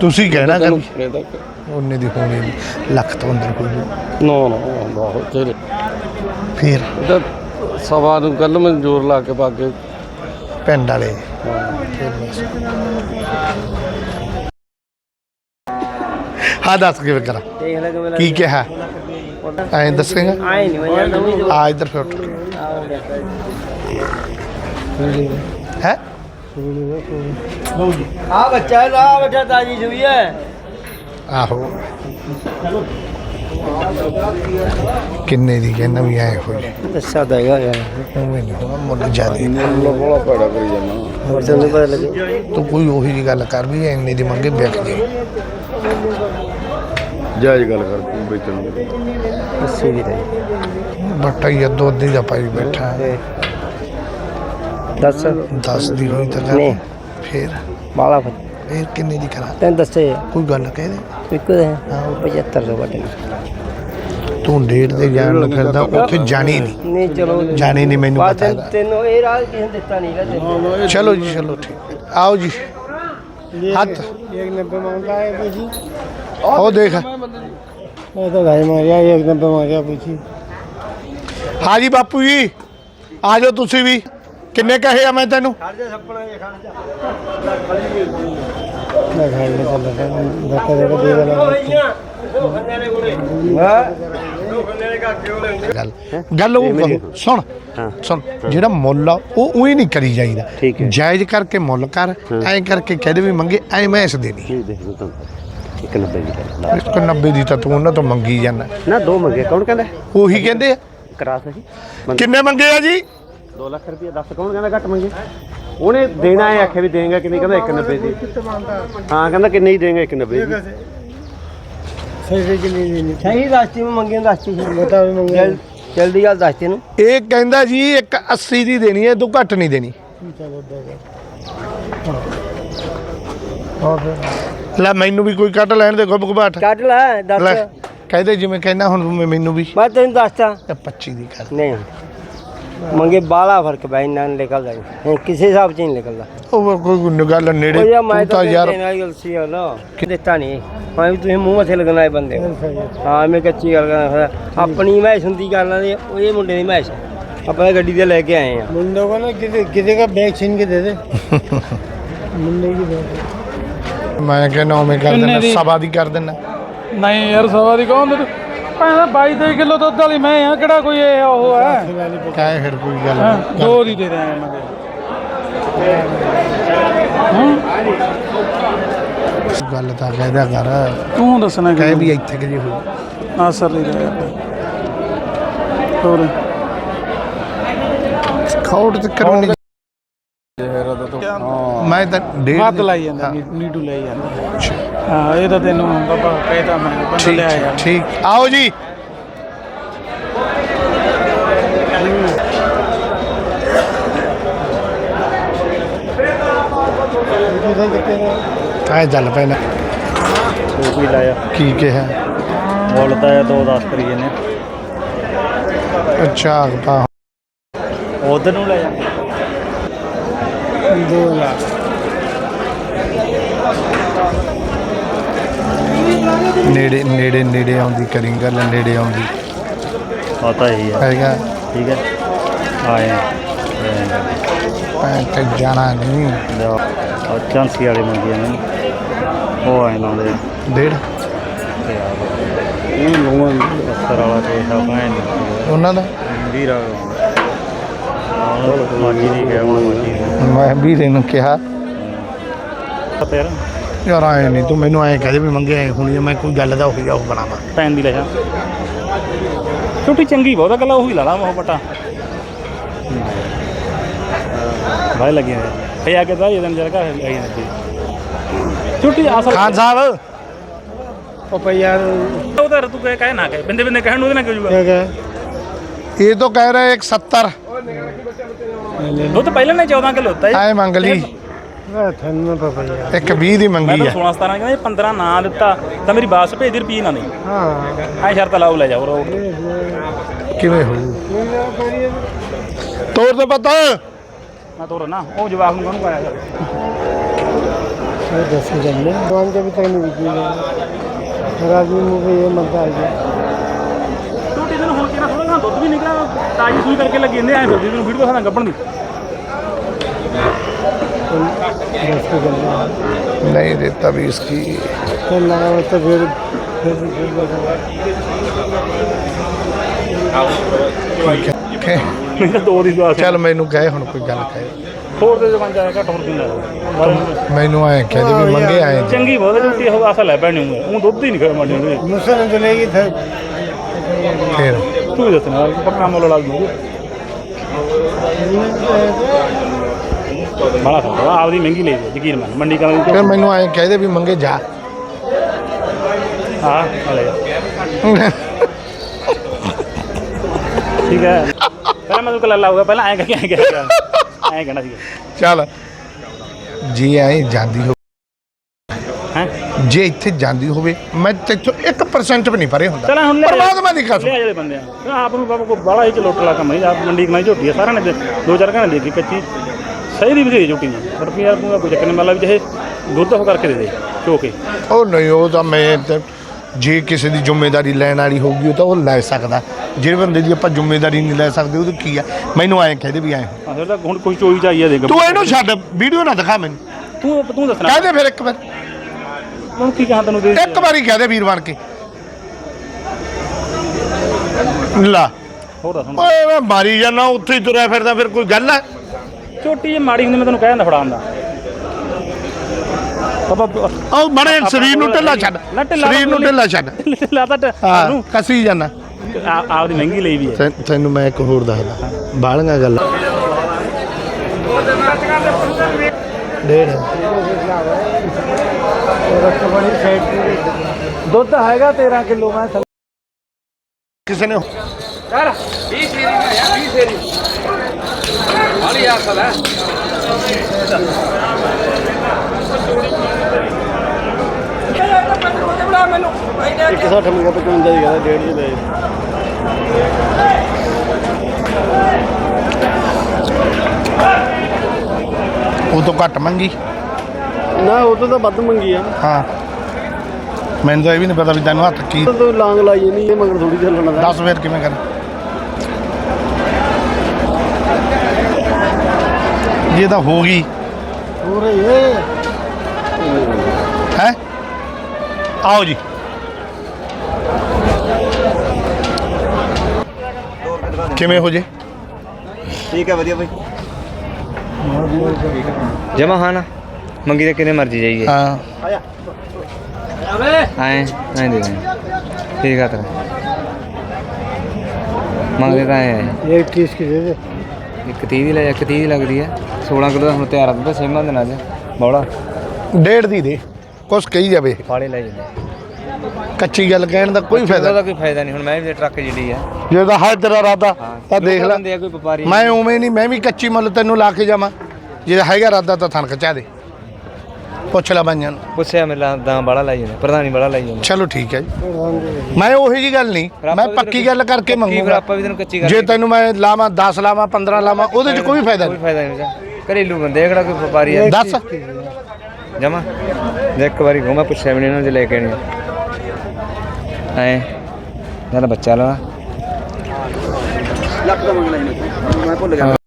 ਤੁਸੀਂ ਕਹਿਣਾ ਕਿ ਕਿੰਨੇ ਤੱਕ ਉਹਨੇ ਦੀ ਹੋਣੀ ਨਹੀਂ, ਲੱਖ ਤੋਂ ਅੰਦਰ ਕੋਈ ਨਹੀਂ। ਨਾ ਬਹੁਤ ਤੇਰੇ ਫਿਰ ਇਹਦਾ ਸਵਾ ਨੂੰ ਕੱਲ ਮੈਂ ਜ਼ੋਰ ਲਾ ਕੇ ਪਾ ਕੇ ਪਿੰਡ ਵਾਲੇ ਹਾਂ ਦੱਸ ਕਿਵੇਂ ਕਰਾਂ ਕੀ ਕਿਹਾ ਐਂ ਦੱਸੇਗਾ ਆ ਇੱਧਰ ਫਿਰ ਉੱਠ ਹੈ ਆ ਬੱਚਾ ਹੈ ਲਾ ਬੱਚਾ ਤਾਜੀ ਜੁਈ ਹੈ ਆਹੋ ਕਿੰਨੇ ਦੀ ਕਹਿੰਦਾ ਵੀ ਐ ਹੋ ਜਾ ਦੱਸਾ ਦੇਗਾ ਯਾਰ ਉਵੇਂ ਨਹੀਂ ਹੋਣਾ ਮੁੱਲ ਜਾਦੇ ਬੋਲਾ ਪੜਾ ਕਰੀ ਜਾਣਾ ਹੋਰ ਤੈਨੂੰ ਪਤਾ ਲੱਗੇ ਤੂੰ ਕੋਈ ਉਹੀ ਜੀ ਗੱਲ ਕਰ ਵੀ ਇੰਨੇ ਦੀ ਮੰਗੇ ਵਿਕ ਜੇ ਜਾਇਜ਼ ਗੱਲ ਕਰ ਤੂੰ ਵੇਚਣ ਦੀ ਅੱਸੀ ਵੀ ਤੇ ਬੱਟਾ ਹੀ ਅੱਧੋ ਅੱਧੀ ਦਾ ਪਾਈ ਬੈਠਾ ਦੱਸ 10 ਦੀ ਹੋਈ ਤਾਂ ਕਰ ਨਹੀਂ ਫਿਰ ਬਾਲਾ ਫਿਰ ਕਿੰਨੇ ਦੀ ਕਰਾਂ ਤੈਨੂੰ ਦੱਸੇ ਕੋਈ ਗੱਲ ਕਹਿ ਦੇ ਇੱਕ ਹੈ ਹਾਂ 7500 ਵੱਟੇ ਤੂੰ ਡੇਢ ਦੇ ਜਾਣ ਨੂੰ ਫਿਰਦਾ ਉੱਥੇ ਜਾਣੀ ਨਹੀਂ ਨਹੀਂ ਚਲੋ ਜਾਣੀ ਨਹੀਂ ਮੈਨੂੰ ਪਤਾ ਹੈਗਾ ਤੈਨੂੰ ਇਹ ਰਾਜ ਕਿਸੇ ਨੇ ਦਿੱਤਾ ਨਹੀਂ ਗਾ ਚਲੋ ਜੀ ਚਲੋ ਠੀਕ ਆਓ ਜੀ ਹੱਥ 190 ਮੰਗਦਾ ਹੈ पूछी ਉਹ ਦੇਖ मैं तो भाई मारिया 190 मारिया पूछी ਹਾਂ ਜੀ ਬਾਪੂ ਜੀ ਆ ਜਾਓ ਤੁਸੀਂ ਵੀ ਕਿੰਨੇ ਕਹੇ ਆ ਮੈਂ ਤੈਨੂੰ मैं घर में चल रहा धक्का धक्का दे वाला ਗੱਲ ਗੱਲ ਉਹ ਸੁਣ ਸੁਣ ਜਿਹੜਾ ਮੁੱਲ ਆ ਉਹ ਉਹੀ ਨਹੀਂ ਕਰੀ ਜਾਈਦਾ ਜਾਇਜ਼ ਕਰਕੇ ਮੁੱਲ ਕਰ ਐਂ ਕਰਕੇ ਕਹਦੇ ਵੀ ਮੰਗੇ ਐਂ ਮੈਂ ਇਸ ਦੇਣੀ 190 ਦੀ ਤਾਂ ਤੂੰ ਉਹਨਾਂ ਤੋਂ ਮੰਗੀ ਜਾਂਦਾ ना दो मंगे कौन कहता ਉਹੀ ਕਹਿੰਦੇ ਆ करा सही ਕਿੰਨੇ ਮੰਗੇ ਆ ਜੀ 2 ਲੱਖ ਰੁਪਏ 10 ਕੌਣ ਕਹਿੰਦਾ ਘੱਟ ਮੰਗੇ ਉਹਨੇ ਦੇਣਾ ਹੈ ਆਖੇ ਵੀ ਦੇਂਗਾ ਕਿ ਨਹੀਂ ਕਹਿੰਦਾ 190 ਦੀ ਹਾਂ ਕਹਿੰਦਾ ਕਿ ਨਹੀਂ ਦੇਂਗਾ 190 ਦੀ ਸਹੀ ਕਿ ਨਹੀਂ ਦੇਣੀ ਸਹੀ ਰਾਸਤੇ में ਮੰਗੇ ਰਾਸਤੇ ਬਤਾ ਵੀ ਮੰਗੇ ਜਲਦੀ ਗੱਲ ਦੱਸ ਤੈਨੂੰ ਇਹ ਕਹਿੰਦਾ ਜੀ 180 ਦੀ ਦੇਣੀ ਹੈ ਤੂੰ ਘੱਟ ਨਹੀਂ ਦੇਣੀ ਲੈ ਮੈਨੂੰ ਵੀ ਕੋਈ ਕੱਢ ਲੈਣ ਦੇ ਗੁੱਬ ਗੁਬਾਟ ਕੱਢ ਲੈ ਦੱਸ ਲੈ ਕਹਿੰਦੇ ਜਿਵੇਂ ਕਹਿੰਦਾ ਹੁਣ ਮੈਨੂੰ ਵੀ ਮੈਂ ਤੈਨੂੰ ਦੱਸਦਾ 25 ਦੀ ਕਰ ਨਹੀਂ ਮੰਗੇ ਬਾਲਾ ਫਰਕ ਬਾਈ ਨਾਲ ਨਿਕਲਦਾ ਨਹੀਂ ਕਿਸੇ ਹਿਸਾਬ ਚ ਨਹੀਂ ਨਿਕਲਦਾ ਉਹ ਕੋਈ ਗੱਲ ਨੇੜੇ ਉਹ ਯਾਰ ਮੈਂ ਤੂੰ ਤਾਂ ਯਾਰ ਗਲਸੀ ਆ ਨਾ ਦਿੱਤਾ ਨਹੀਂ ਮੈਂ ਵੀ ਤੁਸੀਂ ਮੂੰਹ ਮੱਥੇ ਲੱਗਣਾ ਬੰਦੇ ਹਾਂ ਮੈਂ ਕੱਚੀ ਗੱਲ ਕਰਦਾ ਆਪਣੀ ਮੈਚ ਹੁੰਦੀ ਕਰਨਾ ਦੇ ਉਹ ਇਹ ਮੁੰਡੇ ਦੀ ਮੈਚ ਆਪਾਂ ਗੱਡੀ ਤੇ ਲੈ ਕੇ ਆਏ ਆ ਮੁੰਡੇ ਕੋ ਨਾ ਕਿਤੇ ਦਾ ਬੈਗ ਛੀਨ ਕੇ ਦੇ ਦੇ ਮੁੰਡੇ ਦੀ ਬੈਗ ਮੈਂ ਕਹਿੰਦਾ ਉਵੇਂ ਕਰ ਦਿੰਦਾ ਸਵਾ ਦੀ ਕਰ ਦਿੰਦਾ ਨਹੀਂ ਯਾਰ ਸਵਾ ਦੀ ਕੌਣ ਦੇ ਭਾਵੇਂ 22 ਕਿਲੋ ਦੁੱਧ ਵਾਲੀ ਮੈਂ ਆ ਕਿਹੜਾ ਕੋਈ ਇਹ ਉਹ ਹੈ ਕਾहे ਫਿਰ ਕੋਈ ਗੱਲ ਦੋ ਦੀ ਦੇ ਰਹੇ ਮੈਂ ਗੱਲ ਤਾਂ ਕਹਿਦਾ ਕਰ ਤੂੰ ਦੱਸਣਾ ਕਹੇ ਵੀ ਇੱਥੇ ਕਿ ਜੀ ਹੋਈ ਆ ਸਰ ਨਹੀਂ ਰਿਹਾ ਹੋਰ ਖੌੜ ਤੇ ਕਰਨੀ ਮੈਂ ਤਾਂ ਡੇਢ ਵੱਧ ਲਾਈ ਜਾਂਦਾ ਨੀਟੂ ਲਈ ਜਾਂਦਾ ਹਾਂ ਇਹ ਤਾਂ ਤੈਨੂੰ ਬਾਬਾ ਕਹਿਦਾ ਮੈਂ ਬੰਦਾ ਲੈ ਆਇਆ ਠੀਕ ਆਓ ਜੀ ਕਾਹ ਚੱਲ ਪੈਣਾ ਉਹ ਵੀ ਲਾਇਆ ਕੀ ਕਿਹਾ ਮੁੱਲ ਤਾਂ 2-10 ਕਰੀ ਇਹਨੇ ਅੱਛਾ ਤਾਂ ਉਧਰ ਨੂੰ ਲੈ ਜਾ 2 ਲੱਖ ਨੇੜੇ ਨੇੜੇ ਨੇੜੇ ਆਉਂਦੀ ਕਰੀ ਗੱਲ ਨੇੜੇ ਆਉਂਦੀ ਪਤਾ ਹੀ ਆ ਹੈਗਾ ਠੀਕ ਹੈ ਆਏ ਮੈਂ ਤੇ ਜਾਣਾ ਨਹੀਂ ਉਹ ਚਾਂਸੀ ਵਾਲੇ ਮੰਗੀਆਂ ਨੇ ਉਹ ਆਏ ਲਾਉਂਦੇ ਡੇਢ ਇਹ ਲੋਹਾਂ ਅਸਰ ਵਾਲਾ ਤੇ ਹੈ ਉਹਨਾਂ ਦਾ ਵੀਰਾ ਮਾਗੀ ਨਹੀਂ ਗਿਆ ਹੁਣ ਮਾਗੀ ਮੈਂ ਵੀਰੇ ਨੂੰ ਕਿਹਾ ਤੇਰਾ ਯਾਰ ਆਏ ਨਹੀਂ ਤੂੰ ਮੈਨੂੰ ਐਂ ਕਹਦੇ ਵੀ ਮੰਗੇ ਆਏ ਹੁਣੀ ਮੈਂ ਕੋਈ ਗੱਲ ਦਾ ਉਹੀ ਜਾ ਉਹ ਬਣਾਵਾਂ ਪੈਨ ਦੀ ਲੈ ਜਾ ਛੋਟੀ ਚੰਗੀ ਬਹੁਤਾ ਗੱਲਾਂ ਉਹੀ ਲਾ ਲਾ ਮੋਹ ਪਟਾ ਭਾਈ ਲੱਗੇ ਇਹ ਆ ਕੇ ਤਾਂ ਇਹ ਦਿਨ ਜਰਗਾ ਆਈ ਨਹੀਂ ਛੋਟੀ ਆਸਾ ਖਾਨ ਸਾਹਿਬ ਉਹ ਯਾਰ ਉਧਰ ਤੂੰ ਕਹੇ ਨਾ ਕਹੇ ਬਿੰਦੇ ਬਿੰਦੇ ਕਹਿਣ ਨੂੰ ਉਹਦੇ ਨਾਲ ਕਿਉਂ ਜੂਗਾ ये तो कह रहे 170 ਦੁੱਧ ਪਹਿਲਾਂ ਨੇ 14 ਕਿਲੋ ਦਿੱਤਾ आए मंग ली ਤੁਹਾਨੂੰ ਪਤਾ ਯਾਰ एक 20 दी ਮੈਂ मंगी ਤਾਂ है 16 17 ਕਹਿੰਦਾ 15 ਨਾ ਦਿੱਤਾ ਤਾਂ ਮੇਰੀ ਬਾਸ ਭੇਜ ਦੀ ਰੁਪਈਏ ਨਾ ਨਹੀਂ ਹਾਂ ਐ ਸ਼ਰਤ ਲਾਓ ਲੈ ਜਾਓ ਰੋਡ किवें हो तोड़ तो पता ਮੈਂ ਤੋਰ ਨਾ ਉਹ ਜਵਾਬ ਨੂੰ ਕਾਹਨੂੰ ਪਾਇਆ 10 जल्ले दुकान के अभी तक नहीं बिकी है आदमी मुँह पे ये मत डालिए ਟੋਟੀ ਦਿਨ ਹੁਣ ਕਿਹੜਾ ਥੋੜਾ ਦੁੱਧ ਵੀ ਨਿਕਲਿਆ ਤਾਜੀ ਸੂਈ ਕਰਕੇ ਲੱਗੀ ਜਾਂਦੇ ਐ ਫਿਰਦੀ ਤੈਨੂੰ ਵੀਡੀਓ ਦਿਖਾਣਾ ਗੱਬਣ ਦੀ 10 के जल्ले नहीं देता भी इसकी फिर लगा हुआ तो फिर ਮੈਨੂੰ ਦੋ ਦੀ ਦਵਾ ਚੱਲ ਮੈਨੂੰ ਕਹੇ ਹੁਣ ਕੋਈ ਗੱਲ ਕਹੇ ਹੋਰ ਦੇ ਦੁਕਾਨ ਜਾ ਘੱਟ ਹੋਰ ਕਿੰਨਾ ਮੈਨੂੰ ਐ ਕਹਦੇ ਵੀ ਮੰਗੇ ਆਏ ਚੰਗੀ ਬਹੁਤ ਝੂਟੀ ਉਹ ਆਸਾ ਲੈ ਪੈਣੀ ਉਹ ਦੁੱਧ ਹੀ ਨਹੀਂ ਖੜ ਮੰਡੀ ਦੇ मुझसे नहीं चलेगी फिर ਫਿਰ ਤੂੰ ਹੀ ਦੱਸਣਾ ਪੱਕਾ ਮੁੱਲ ਲਾ ਦੂੰਗੇ ਬੜਾ ਖਾ ਆਪਦੀ ਮਹਿੰਗੀ ਲਈ ਯਕੀਨ ਮੰਨ ਮੰਡੀ ਕਰਾਂ ਫਿਰ ਮੈਨੂੰ ਐ ਕਹਦੇ ਵੀ ਮੰਗੇ ਜਾ ਹਾਂ ਹਲੇ ਠੀਕ ਹੈ ਪਹਿਲਾਂ ਮੈਂ ਤੂੰ ਕੱਲਾ ਲਾਊਗਾ ਪਹਿਲਾਂ ਐਂ ਕਹਿ ਕੇ ਐਂ ਕਹਿਣਾ ਸੀਗਾ ਚੱਲ ਜੇ ਐ ਜਾਂਦੀ ਹੋ ਹੈ ਜੇ ਇੱਥੇ ਜਾਂਦੀ ਹੋਵੇ ਮੈਂ ਤੇਥੋਂ 1% ਵੀ ਨਹੀਂ ਪਰੇ ਹੁੰਦਾ ਚਲ ਹੁਣ ਲੈ ਪਰਮਾਤਮਾ ਦੀ ਕਸਮ ਲੈ ਜਿਹੜੇ ਬੰਦੇ ਆ ਆਪ ਨੂੰ ਬਾਬਾ ਕੋ ਬਾਲਾ ਹੀ ਚਲੋਟਲਾ ਕੰਮ ਨਹੀਂ ਆਪ ਮੰਡੀ ਕਮਾਈ ਝੋਟੀ ਆ ਸਾਰਿਆਂ ਨੇ ਦੋ ਚਾਰ ਘੰਟੇ ਦੇਖੀ ਕੱਚੀ ਸਹੀ ਦੀ ਬਥੇਰੀ ਝੋਟੀ ਨੇ ਰੁਪਈਆ ਨੂੰ ਕੋਈ ਚੱਕਰ ਨਹੀਂ ਮਤਲਬ ਜਿਹੇ ਦੁੱਧ ਹੋ ਕਰਕੇ ਦੇ ਦੇ ਚੋ ਕੇ ਉਹ ਨਹੀਂ ਉਹ ਤਾਂ ਮੈਂ ਤੇ ਜੇ ਕਿਸੇ ਦੀ ਜ਼ਿੰਮੇਵਾਰੀ ਲੈਣ ਵਾਲੀ ਹੋਊਗੀ ਉਹ ਤਾਂ ਉਹ ਲੈ ਸਕਦਾ ਜਿਹੜੇ ਬੰਦੇ ਦੀ ਆਪਾਂ ਜ਼ਿੰਮੇਵਾਰੀ ਨਹੀਂ ਲੈ ਸਕਦੇ ਉਹ ਕੀ ਆ ਮੈਨੂੰ ਐਂ ਕਹਦੇ ਵੀ ਐਂ ਹਾਂ ਫਿਰ ਤਾਂ ਹੁਣ ਕੋਈ ਚੋਈ ਚਾਹੀਏ ਦੇਖ ਤੂੰ ਇਹਨੂੰ ਛੱਡ ਵੀਡੀਓ ਨਾ ਦਿਖਾ ਮੈਨੂੰ ਤੂੰ ਦੱਸਣਾ ਕਹਦੇ ਫਿਰ ਇੱਕ ਵਾਰ ਹੁਣ ਕੀ ਕਹਾਂ ਤੈਨੂੰ ਦੇ ਇੱਕ ਵਾਰੀ ਕਹਦੇ ਵੀਰ ਬਣ ਕੇ ਲਾ ਹੋਰ ਦੱਸ ਹੁਣ ਓਏ ਮੈਂ ਮਾਰੀ ਜਾਣਾ ਉੱਥੇ ਹੀ ਤੁਰਿਆ ਫਿਰਦਾ ਫਿਰ ਕੋਈ ਗੱਲ ਹੈ ਝੋਟੀ ਜੇ ਮਾੜੀ ਹੁੰਦੀ ਮੈਂ ਤੈਨੂੰ ਕਹਿ ਦਿੰਦਾ ਫੜਾਉਣ ਦਾ ਬਾਬਾ ਉਹ ਬੜੇ ਸਰੀਰ ਨੂੰ ਢਿੱਲਾ ਛੱਡ ਸਰੀਰ ਨੂੰ ਢਿੱਲਾ ਛੱਡ ਢਿੱਲਾ ਤਾਂ ਹਾਂ ਕਸੀ ਜਾਣਾ ਆਪਦੀ ਮਹਿੰਗੀ ਲਈ ਵੀ ਹੈ ਤੈਨੂੰ ਮੈਂ ਇੱਕ ਹੋਰ ਦੱਸਦਾ ਬਾਲੀਆਂ ਗੱਲਾਂ ਡੇਢ ਦੁੱਧ ਹੈਗਾ 13 ਕਿਲੋ ਮੈਂ ਕਿਸੇ ਨੇ ਯਾਰ 20 ਫੇਰੀ ਮੈਂ ਯਾਰ 20 ਫੇਰੀ ਹਾਲੀ ਯਾਰ ਸਲਾ एक 60 मिल गया 55 ही कहता 1.5 ले ਉਹ ਤੋਂ ਘੱਟ ਮੰਗੀ ना वो तो ਵੱਧ ਮੰਗੀ ਆ ਹਾਂ ਮੈਨੂੰ ਤਾਂ ਇਹ ਵੀ ਨਹੀਂ ਪਤਾ ਵੀ ਤੈਨੂੰ ਹੱਥ ਕੀ ਤੂੰ ਲਾਂਗ ਲਾਈ ਨਹੀਂ ਇਹ ਮਗਰ ਥੋੜੀ ਚੱਲਣਾ ਦਾ ਦੱਸ ਫਿਰ ਕਿਵੇਂ ਕਰ ਜੇ ਤਾਂ ਹੋ ਗਈ ਹੋ ਰਹੀ ਹੈ ਹੈ ਆਓ ਜੀ ਕਿਵੇਂ ਹੋ ਜੇ ਠੀਕ ਹੈ ਵਧੀਆ ਬਾਈ ਜਮਾ ਹਾਂ ਨਾ ਮੰਗੀ ਤੇ ਕਿੰਨੇ ਮਰਜੀ ਜਾਈਏ ਹਾਂ ਆਏ ਨਹੀਂ ਦੇ ਠੀਕ ਆ ਤੇਰਾ ਮੰਗਦੇ ਤਾਂ ਆਏ ਇੱਕ 30 ਕੀ ਦੇ ਦੇ ਇੱਕ 30 ਦੀ ਲੈ ਇੱਕ 30 ਦੀ ਲੱਗਦੀ ਹੈ 16 ਕਿਲੋ ਦਾ ਹੁਣ ਤਿਆਰ ਆ ਤਾਂ ਸੇਮਾ ਦਿਨ ਅੱਜ ਬੌਲਾ ਡੇਢ ਦੀ ਦੇ ਕੁਛ ਕਹੀ ਜਾਵੇ ਫਾੜੇ ਲੈ ਜਾਂਦੇ ਕੱਚੀ ਗੱਲ ਕਹਿਣ ਦਾ ਕੋਈ ਫਾਇਦਾ ਉਹਦਾ ਕੋਈ ਫਾਇਦਾ ਨਹੀਂ ਹੁਣ ਮੈਂ ਵੀ ਟਰੱਕ ਜਿਹੜੀ ਆ ਜੇ ਤਾਂ ਹੈ ਤੇਰਾ ਇਰਾਦਾ ਤਾਂ ਦੇਖ ਲੈ ਬੰਦੇ ਆ ਕੋਈ ਵਪਾਰੀ ਮੈਂ ਉਵੇਂ ਨਹੀਂ ਮੈਂ ਵੀ ਕੱਚੀ ਮੁੱਲ ਤੈਨੂੰ ਲਾ ਕੇ ਜਾਵਾਂ ਜੇ ਹੈਗਾ ਇਰਾਦਾ ਤਾਂ ਥਣ ਖਚਾ ਦੇ ਪੁੱਛ ਲੈ ਬਾਈਆਂ ਨੂੰ ਪੁੱਛਿਆ ਮੇਰਾ ਦਾਂ ਬੜਾ ਲਾਈ ਜਾਂਦਾ ਪ੍ਰਧਾਨੀ ਬੜਾ ਲਾਈ ਜਾਂਦਾ ਚਲੋ ਠੀਕ ਹੈ ਜੀ ਮੈਂ ਉਹੀ ਜੀ ਗੱਲ ਨਹੀਂ ਮੈਂ ਪੱਕੀ ਗੱਲ ਕਰਕੇ ਮੰਗੂਗਾ ਆਪਾਂ ਵੀ ਤੈਨੂੰ ਕੱਚੀ ਕਰ ਜੇ ਤੈਨੂੰ ਮੈਂ ਲਾਵਾਂ 10 ਲਾਵਾਂ 15 ਲਾਵਾਂ ਉਹਦੇ 'ਚ ਕੋਈ ਫਾਇਦਾ ਕੋਈ ਨਹੀਂ ਫਾਇਦਾ ਨਹੀਂ ਘਰੇਲੂ ਬੰਦੇ ਆ ਕਿਹੜਾ ਕੋਈ ਵਪਾਰੀ ਆ ਦੱਸ ਜਮਾ ਜੇ ਇੱਕ ਵਾਰੀ ਘੁੰਮਾ ਪੁੱਛਿਆ ਵੀ ਨਹੀਂ ਇਹਨਾਂ ਨੂੰ ਜੇ ਲੈ ਕੇ ਆਣੀ ਐ ਨਾਲ ਬੱਚਾ ਲਾ ਲੱਖ ਦਾ ਮੰਗਣਾ ਮੈਂ ਭੁੱਲ ਗਿਆ